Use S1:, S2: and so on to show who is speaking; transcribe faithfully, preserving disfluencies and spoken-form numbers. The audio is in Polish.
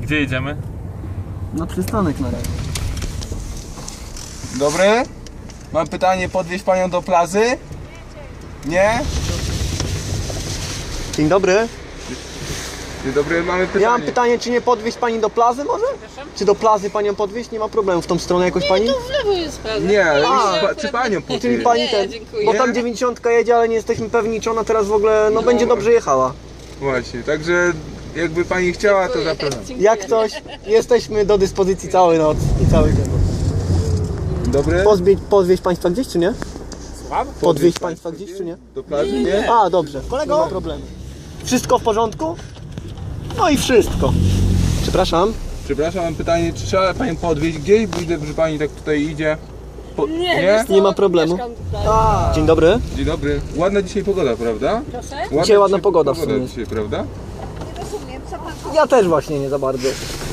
S1: Gdzie jedziemy?
S2: Na przystanek na razie.
S3: Dobry? Mam pytanie, podwieźć panią do plaży? Nie?
S2: Dzień dobry.
S3: Dzień dobry, mamy pytanie.
S2: Ja mam pytanie, czy nie podwieźć pani do plaży może? Czy do plaży panią podwieźć? Nie ma problemu. W tą stronę jakoś pani?
S4: To w lewo jest prawo.
S3: Nie, ale
S2: A,
S3: pa, czy panią
S2: Czyli
S3: podwieźć?
S2: pani
S4: Nie,
S2: ten,
S4: dziękuję.
S2: bo tam dziewięćdziesiątka jedzie, ale nie jesteśmy pewni, czy ona teraz w ogóle, no, będzie dobrze jechała.
S3: Właśnie, także jakby pani chciała, to zapraszam.
S2: Jak coś, jesteśmy do dyspozycji całej noc i cały dzień.
S3: Dobry?
S2: Pozwieźć, podwieźć państwa gdzieś, czy nie?
S3: Słucham?
S2: Podwieźć państwa gdzieś, czy nie?
S3: Do plaży? Nie?
S2: A, dobrze. Kolego? Nie ma problemu. Wszystko w porządku? No i wszystko. Przepraszam.
S3: Przepraszam, mam pytanie, czy trzeba panią podwieźć gdzieś? Widzę, że pani tak tutaj idzie. Po...
S4: Nie,
S3: Nie?
S4: wiesz co,
S2: Nie ma problemu.
S4: mieszkam tutaj.
S2: A. Dzień dobry.
S3: Dzień dobry. Ładna dzisiaj pogoda, prawda?
S4: Proszę?
S3: Ładna
S2: Dzisiaj ładna pogoda w sumie.
S3: dzisiaj, prawda?
S2: Ja też właśnie nie za bardzo.